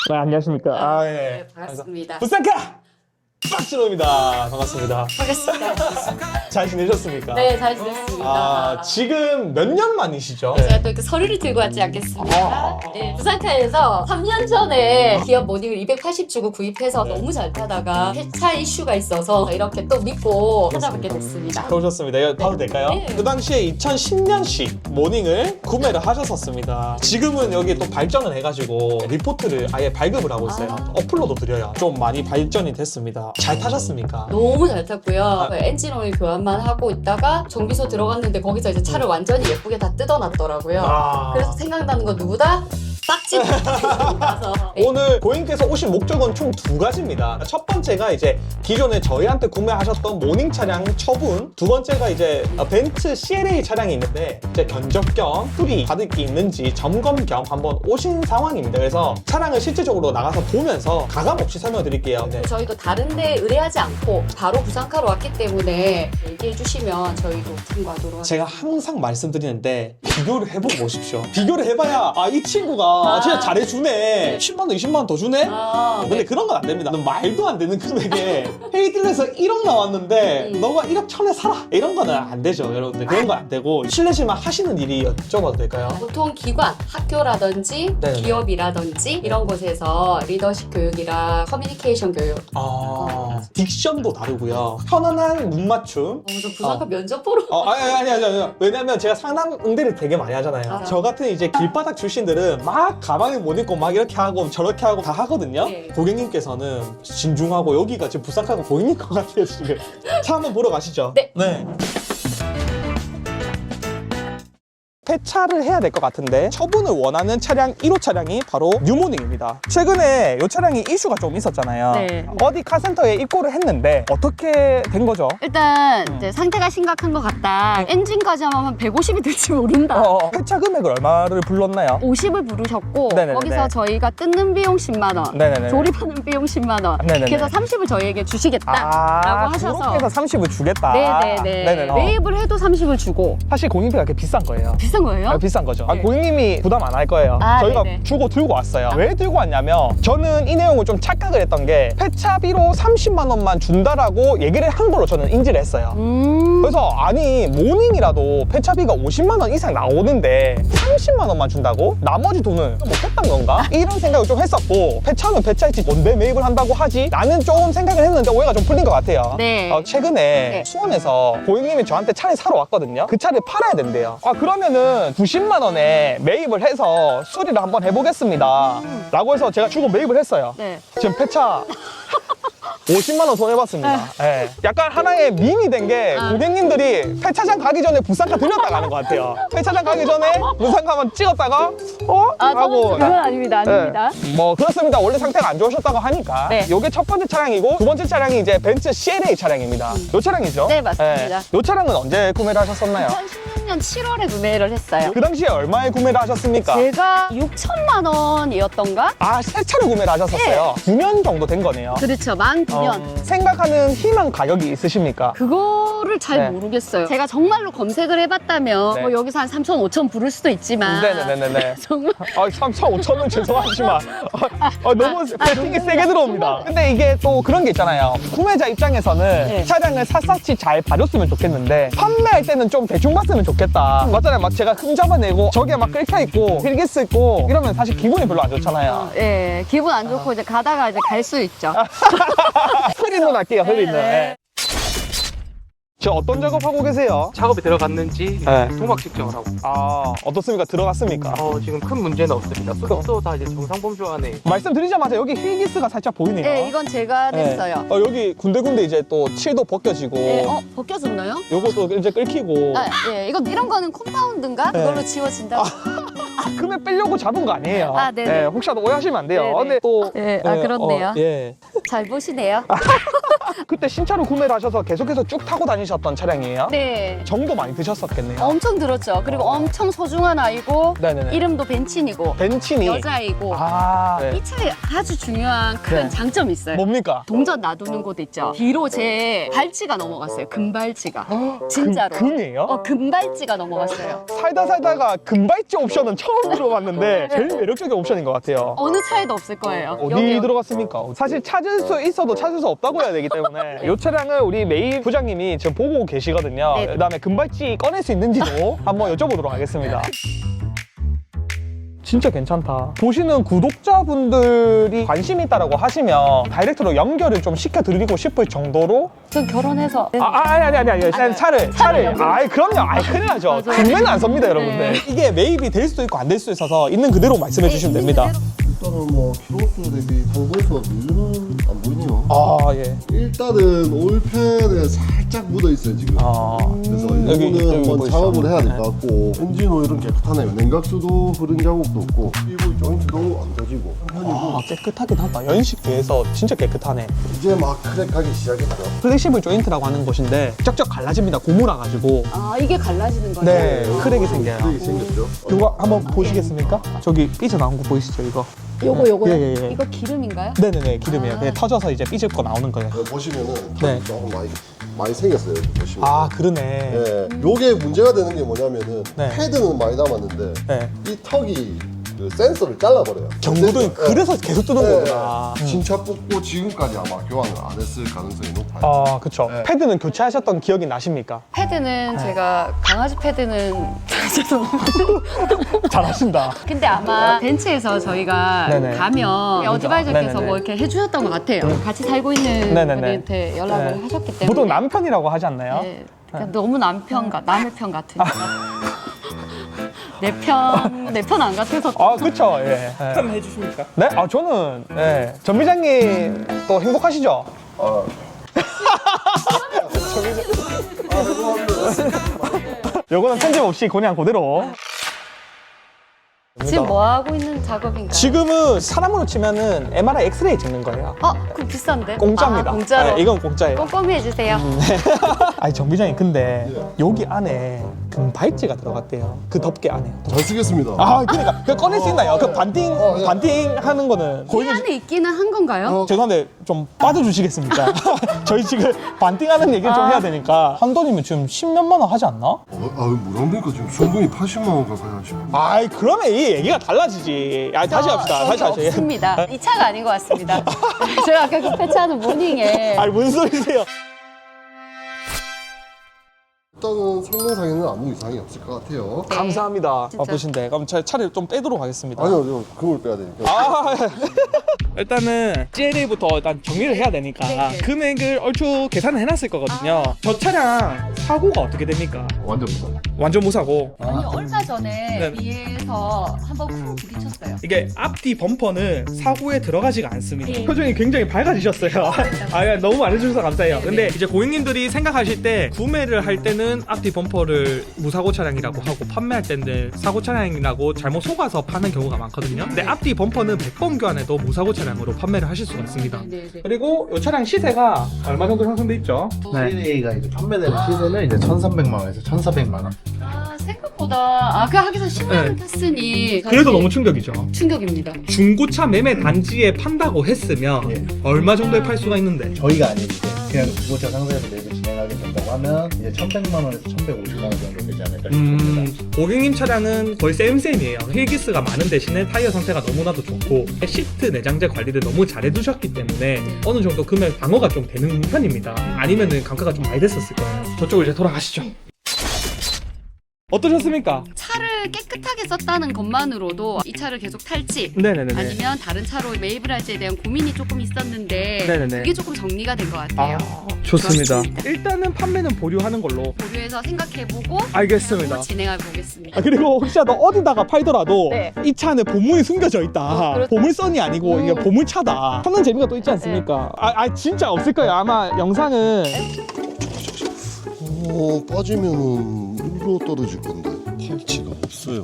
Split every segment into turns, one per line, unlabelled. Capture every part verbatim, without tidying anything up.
네, 안녕하십니까. 아, 예.
네, 반갑습니다.
부산카 박진호입니다. 반갑습니다.
반갑습니다.
잘 지내셨습니까?
네, 잘 지냈습니다.
아, 지금 몇 년 만이시죠?
제가 또 이렇게 서류를 들고 왔지 않겠습니까?
아.
네, 부산카에서 삼 년 전에 기업 모닝을 이백팔십 주고 구입해서
네.
너무 잘 타다가 폐차 이슈가 있어서 이렇게 또 믿고 찾아뵙게 됐습니다.
그러셨습니다. 이거 봐도 될까요?
네.
그 당시에 이천십 년식 모닝을 구매를 하셨었습니다. 지금은 여기 또 발전을 해가지고 리포트를 아예 발급을 하고 있어요.
아.
어플로도 드려요. 좀 많이 발전이 됐습니다. 잘 타셨습니까?
너무 잘 탔고요.
아.
엔진 오일 교환만 하고 있다가 정비소 들어갔는데 거기서 이제 차를 완전히 예쁘게 다 뜯어놨더라고요.
아.
그래서 생각나는 건 누구다? 빡집 가서
오늘 고객님께서 오신 목적은 총 두 가지입니다. 첫 번째가 이제 기존에 저희한테 구매하셨던 모닝 차량 처분, 두 번째가 이제 벤츠 씨엘에이 차량이 있는데 이제 견적 겸 수리 받을 게 있는지 점검 겸 한번 오신 상황입니다. 그래서 차량을 실질적으로 나가서 보면서 가감 없이 설명드릴게요. 네.
저희도 다른데 의뢰하지 않고 바로 부산카로 왔기 때문에 얘기해 주시면 저희도 참고하도록 하겠습니다.
제가 항상 말씀드리는데 비교를 해보고 오십시오. 비교를 해봐야 아, 이 친구가
아.
진짜 잘해주네. 십만 원, 이십만 원 더 주네?
아,
근데
네.
그런 건 안 됩니다. 말도 안 되는 금액에 헤이딜에서 일억 나왔는데
음.
너가 일억 천에 사라 이런 거는 안 되죠, 여러분들. 그런 건 안 되고 실례지만 하시는 일이 여쭤봐도 될까요?
보통 기관, 학교라든지
네네.
기업이라든지 이런 곳에서 리더십 교육이랑 커뮤니케이션 교육.
아, 딕션도 다르고요. 편안한 눈 맞춤.
어, 저 부산카
어.
면접 보러.
어, 아니, 아니, 아니, 아니, 아니. 왜냐면 제가 상담 응대를 되게 많이 하잖아요.
아.
저 같은 이제 길바닥 출신들은 막 가방에 못 입고 막 이렇게 하고 저렇게 하고 다 하거든요.
네.
고객님께서는 진중하고 여기가 지금 부산카가 고객님 것 같아요, 지금. 차 한번 보러 가시죠.
네.
네. 폐차를 해야 될 것 같은데 처분을 원하는 차량 일 호 차량이 바로 뉴모닝입니다. 최근에 이 차량이 이슈가 좀 있었잖아요.
네.
어디 카센터에 입고를 했는데 어떻게 된 거죠?
일단
음.
이제 상태가 심각한 것 같다. 엔진까지 하면 한 백오십이 될지 모른다.
어, 폐차 금액을 얼마를 불렀나요?
오십을 부르셨고
네네네.
거기서 저희가 뜯는 비용 십만 원,
네네네.
조립하는 비용 십만 원.
네네네.
그래서 삼십을 저희에게 주시겠다라고
아,
하셔서
그렇게 해서 삼십을 주겠다.
네네네.
네네네. 어.
매입을 해도 삼십을 주고
사실 고객비가 그렇게 비싼 거예요.
비싼 거예요?
아, 비싼 거죠. 아,
네.
고객님이 부담 안 할 거예요.
아,
저희가
네네.
주고 들고 왔어요.
아.
왜 들고 왔냐면 저는 이 내용을 좀 착각을 했던 게 폐차비로 삼십만 원만 준다라고 얘기를 한 걸로 저는 인지를 했어요.
음.
그래서 아니 모닝이라도 폐차비가 오십만 원 이상 나오는데 삼십만 원만 준다고? 나머지 돈을 못했던 건가? 이런 생각을 좀 했었고 폐차는 폐차했지 뭔데 매입을 한다고 하지? 나는 좀 생각을 했는데 오해가 좀 풀린 것 같아요.
네.
어, 최근에
네.
수원에서 고객님이 저한테 차를 사러 왔거든요. 그 차를 팔아야 된대요. 아 그러면은 구십만 원에 매입을 해서 수리를 한번 해보겠습니다 라고 해서 제가 주고 매입을 했어요.
네.
지금 폐차 오십만 원 손해봤습니다. 예. 약간 하나의 밈이 된 게
아.
고객님들이 폐차장 가기 전에 부산카 들렸다 가는 것 같아요. 폐차장 가기 전에 부산카 한번 찍었다가 어?
아,
하고
그건 아닙니다. 아닙니다.
네. 뭐 그렇습니다. 원래 상태가 안 좋으셨다고 하니까
네.
이게 첫 번째 차량이고 두 번째 차량이 이제 벤츠 씨엘에이 차량입니다. 이 차량이죠?
네, 맞습니다.
이 차량은 언제 구매를 하셨었나요?
이천십육 년 칠월에 구매를 했어요.
그 당시에 얼마에 구매를 하셨습니까?
제가 육천만 원이었던가?
아, 새 차를 구매를 하셨었어요. 구 년 정도 된 거네요.
그렇죠. 만 구 년.
어, 생각하는 희망 가격이 있으십니까?
그거를 잘
네.
모르겠어요. 제가 정말로 검색을 해봤다면
네.
뭐 여기서 한 삼천, 오천 부를 수도 있지만
네네네네.
정말
아, 삼천, 오천은 죄송하지만 아, 아, 너무
아,
배팅이
너무
세게 들어옵니다. 근데 이게 또 그런 게 있잖아요. 구매자 입장에서는
네.
차량을 샅샅이 잘 봐줬으면 좋겠는데 판매할 때는 좀 대충 봤으면 좋겠다. 맞잖아요. 막 제가 흠 잡아내고 저게 막 끓여있고 필기스 있고 이러면 사실 기분이 별로 안 좋잖아요.
예, 기분 안 좋고 이제 가다가 이제 갈 수 있죠.
흐린 눈 할게요, 흐린 눈.
네.
네. 저 어떤 작업하고 계세요?
작업이 들어갔는지
네.
도막 측정을 하고
아, 어떻습니까? 들어갔습니까?
어, 지금 큰 문제는 없습니다. 수급도 다 이제 정상 범주 안에
말씀드리자마자 여기 휠기스가 살짝 보이네요.
네, 이건 제가
네.
냈어요.
어, 여기 군데군데 이제 또 칠도 벗겨지고
네, 어, 벗겨졌나요?
요것도 이제 끓이고
아, 예, 이거 이런 거는 컴파운드인가?
네.
그걸로 지워진다고?
금액 빼려고 잡은 거 아니에요.
아, 네네.
네, 혹시라도 오해하시면 안 돼요.
네네.
근데 또
네, 아, 그렇네요.
어, 예.
잘 보시네요.
그때 신차로 구매를 하셔서 계속해서 쭉 타고 다니셨던 차량이에요?
네.
정도 많이 드셨었겠네요.
엄청 들었죠. 그리고 엄청 소중한 아이고
네네네.
이름도 벤친이고
벤치니.
여자이고
아, 네.
이 차에 아주 중요한 큰
네.
장점이 있어요.
뭡니까?
동전 놔두는 곳 있죠. 뒤로 제 발찌가 넘어갔어요. 금발찌가. 진짜로.
금, 금이에요?
어, 금발찌가 넘어갔어요.
살다 살다가 금발찌 옵션은 처음 들어봤는데 제일 매력적인 옵션인 것 같아요.
어느 차에도 없을 거예요.
어디
여기.
들어갔습니까? 사실 찾을 수 있어도 찾을 수 없다고 해야 되기 때문에 이 차량을 우리 메이 부장님이 지금 보고 계시거든요.
네.
그다음에 금발찌 꺼낼 수 있는지도 한번 여쭤보도록 하겠습니다. 진짜 괜찮다. 보시는 구독자분들이 관심 있다라고 하시면 다이렉트로 연결을 좀 시켜드리고 싶을 정도로
전 결혼해서
아, 아, 아니, 아니, 아니, 아니.
아니,
차를, 차를.
연결.
아이, 그럼요. 아이, 큰일 나죠.
맞아요.
구매는 안 섭니다, 여러분들.
네.
이게 매입이 될 수도 있고 안 될 수도 있어서 있는 그대로 말씀해 주시면 됩니다.
일단은 뭐 키로수 대비 상공수가 밀리는 안 보이네요.
아, 예.
일단은 올펜에 살짝 묻어 있어요 지금.
아.
그래서
여기,
이거는
여기
한번
보이시죠?
작업을 해야 될 것 같고 엔진 오일은 깨끗하네요. 냉각수도 흐른 자국도 없고 피부 조인트도 안 터지고 편이고
아, 깨끗하긴 하다. 연식 비해서 진짜 깨끗하네.
이제 막 크랙하기 시작했죠.
플렉시블 조인트라고 하는 것인데 쩍쩍 갈라집니다. 고무라 가지고.
아 이게 갈라지는 거예요?
네, 크랙이 생겨요.
크랙이 생겼죠.
이거 한번 보시겠습니까? 저기 삐져나온 거 보이시죠, 이거?
요거 요거요?
예, 예, 예.
이거 기름인가요?
네네네, 기름이에요.
아.
그냥 터져서 이제 삐집고 나오는 거예요.
여기 보시면은
네.
조금 많이 많이 생겼어요. 여기 보시면.
아, 그러네.
네, 요게 문제가 되는 게 뭐냐면은
네.
패드는 많이 남았는데
네.
이 턱이 그 센서를 잘라버려요.
경고등이
센서.
그래서 계속 뜨는
네.
거구나. 음.
신차 뽑고 지금까지 아마 교환을 안 했을 가능성이 높아요.
아, 그쵸.
네.
패드는 교체하셨던 기억이 나십니까?
패드는 제가 강아지 패드는 죄송합니다.
잘하신다.
근데 아마 벤츠에서 저희가
네네.
가면 어드바이저께서
네네네.
뭐 이렇게 해주셨던 것 같아요. 같이 살고 있는
네네네.
분한테 연락을
네.
하셨기 때문에.
보통 남편이라고 하지 않나요?
네. 그러니까 너무 남편 같, 남의 편 같으니까. 내 편, 내 편 안 같아서.
아, 그쵸. 예.
한번 해주십니까?
네? 아, 저는, 예. 전 비장님 또 행복하시죠?
아,
요거는 편집 없이 그냥 그대로.
지금 뭐 하고 있는 작업인가요?
지금은 사람으로 치면은 엠알아이 엑스레이 찍는 거예요.
어, 그거 비싼데?
공짜입니다.
아, 공짜로.
네, 이건 공짜예요.
꼼꼼히 해주세요.
아니, 정 비장님, 근데
예.
여기 안에 금발찌가 들어갔대요. 그 덮개 안에.
잘 쓰겠습니다.
아, 그러니까. 그 꺼낼 수 있나요? 그 반띵,
어, 예.
반띵 하는 거는.
이 안에 있기는 한 건가요?
어.
죄송한데 좀 빠져주시겠습니까? 저희 지금 반띵하는 얘기를 좀
아.
해야 되니까 한 돈이면 지금 십몇만 원 하지 않나?
어, 아, 뭐랍니까 지금 순금이 팔십만 원 가까이 하시고.
아이, 그러면 이 얘기가 달라지지. 아, 다시 합시다. 다시
저기
하시.
없습니다. 이 차가 아닌 것 같습니다. 제가 아까 그 패치하는 모닝에
아니, 뭔 소리세요?
일단은 성능상에는 아무 이상이 없을 것 같아요.
네.
감사합니다.
진짜.
바쁘신데. 그럼 차, 차를 좀 빼도록 하겠습니다.
아니요, 저 금을 빼야 되니까.
아, 일단은 씨엘에이부터 일단 정리를 해야 되니까
네.
금액을 얼추 계산을 해놨을 거거든요. 저 차량 사고가 어떻게 됩니까?
완전 무상.
완전 무사고.
아니 얼마 전에
네.
위에서 한번 쿵 부딪혔어요.
이게 앞뒤 범퍼는 사고에 들어가지가 않습니다.
예.
표정이 굉장히 밝아지셨어요. 아, 예, 너무 많아주셔서 감사해요. 근데 이제 고객님들이 생각하실 때 구매를 할 때는 앞뒤 범퍼를 무사고 차량이라고 하고 판매할 때는 사고 차량이라고 잘못 속아서 파는 경우가 많거든요. 근데 앞뒤 범퍼는 백 번 교환해도 무사고 차량으로 판매를 하실 수가 있습니다.
네, 네.
그리고 이 차량 시세가 얼마 정도 형성돼 있죠?
씨엘에이가 이제 판매되는 시세는 이제 천삼백만 원에서 천사백만 원.
아 생각보다 아그 하기서 십만 원
네.
탔으니
그래도
사실
너무 충격이죠.
충격입니다.
중고차 매매 단지에 판다고 했으면
예.
얼마 정도에 팔 수가 있는데?
저희가 아닌 이제 그냥 중고차 상세에서 매입을 진행하게 된다고 하면 이제 천백만 원에서 천백오십만 원 정도 되지 않을까 싶습니다.
음, 고객님 차량은 거의 쌤쌤이에요. 휠기스가 많은 대신에 타이어 상태가 너무나도 좋고 시트 내장재 관리를 너무 잘 해두셨기 때문에 어느 정도 금액 방어가 좀 되는 편입니다. 아니면은 감가가 좀 많이 됐었을 거예요. 저쪽으로 이제 돌아가시죠. 어떠셨습니까?
차를 깨끗하게 썼다는 것만으로도 이 차를 계속 탈지
네네네.
아니면 다른 차로 매입을 할지에 대한 고민이 조금 있었는데
네네네.
그게 조금 정리가 된 것 같아요.
좋습니다. 일단은 판매는 보류하는 걸로.
보류해서 생각해보고
알겠습니다.
또 진행해 보겠습니다.
아, 그리고 혹시라도 어디다가 팔더라도
네.
이 차 안에 보물이 숨겨져 있다.
어, 그렇죠.
보물선이 아니고
음.
이게 보물차다. 찾는 재미가 또 있지 않습니까? 아, 아, 진짜 없을 거예요. 아마 영상은
어, 빠지면은 물로 떨어질 건데 팔찌가 없어요.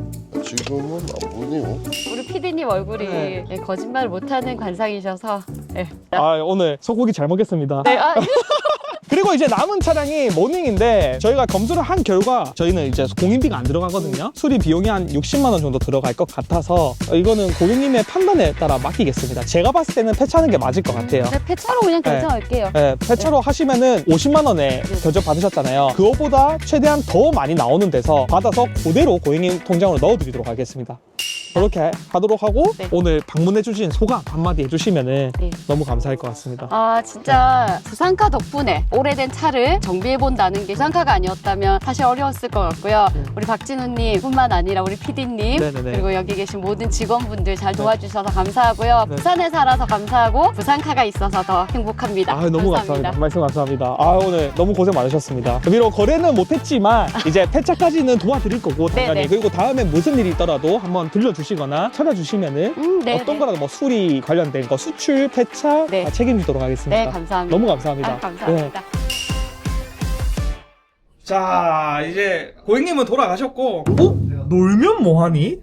지금은 안 보이네요.
우리 피디님 얼굴이
네.
네, 거짓말 못하는 관상이셔서 네.
아, 오늘 소고기 잘 먹겠습니다.
네, 아,
그리고 이제 남은 차량이 모닝인데 저희가 검수를 한 결과 저희는 이제 공인비가 안 들어가거든요. 수리 비용이 한 육십만 원 정도 들어갈 것 같아서 이거는 고객님의 판단에 따라 맡기겠습니다. 제가 봤을 때는 폐차하는 게 맞을 것 같아요.
네, 폐차로 그냥
네.
결정할게요.
네, 폐차로 하시면은 오십만 원에 견적 받으셨잖아요. 그거보다 최대한 더 많이 나오는 데서 받아서 그대로 고객님 통장으로 넣어드리도록 하겠습니다. 그렇게 하도록 하고
네.
오늘 방문해주신 소감 한마디 해주시면은
네.
너무 감사할 것 같습니다.
아, 진짜 부산카 덕분에 오래된 차를 정비해본다는 게 부산카가 아니었다면 사실 어려웠을 것 같고요. 우리 박진우님 뿐만 아니라 우리 피디님
네네네.
그리고 여기 계신 모든 직원분들 잘 도와주셔서 감사하고요.
네.
부산에 살아서 감사하고 부산카가 있어서 더 행복합니다.
아, 너무 감사합니다. 말씀 감사합니다. 아, 오늘 너무 고생 많으셨습니다. 비록 거래는 못했지만 이제 폐차까지는 도와드릴 거고 당연히
네네.
그리고 다음에 무슨 일이 있더라도 한번 들려주시거나 찾아주시면은
음, 네,
어떤
네.
거라도 뭐 수리 관련된 거 수출, 폐차
네.
다 책임지도록 하겠습니다.
네, 감사합니다.
너무 감사합니다.
아, 감사합니다.
네. 자, 이제 고객님은 돌아가셨고 어? 놀면 뭐하니?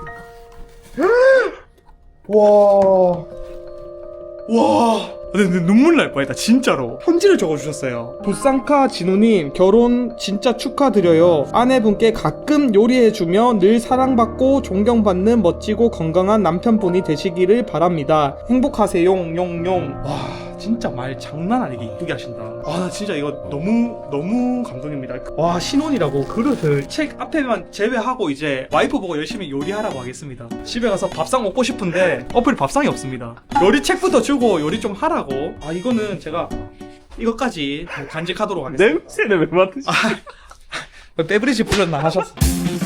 와... 와... 근데 눈물 날 뻔했다 진짜로. 편지를 적어주셨어요. 부산카 진우님 결혼 진짜 축하드려요. 아내분께 가끔 요리해주며 늘 사랑받고 존경받는 멋지고 건강한 남편분이 되시기를 바랍니다. 행복하세요 용용. 와 진짜 말 장난 아니게 이쁘게 하신다. 아 나 진짜 이거 너무 너무 감동입니다. 와 신혼이라고 그릇을 책 앞에만 제외하고 이제 와이프 보고 열심히 요리하라고 하겠습니다. 집에 가서 밥상 먹고 싶은데 어플 밥상이 없습니다. 요리 책부터 주고 요리 좀 하라고. 아 이거는 제가 이것까지 간직하도록 하겠습니다.
냄새는 왜 맡으시?
베브리지 불렀나 하셨어.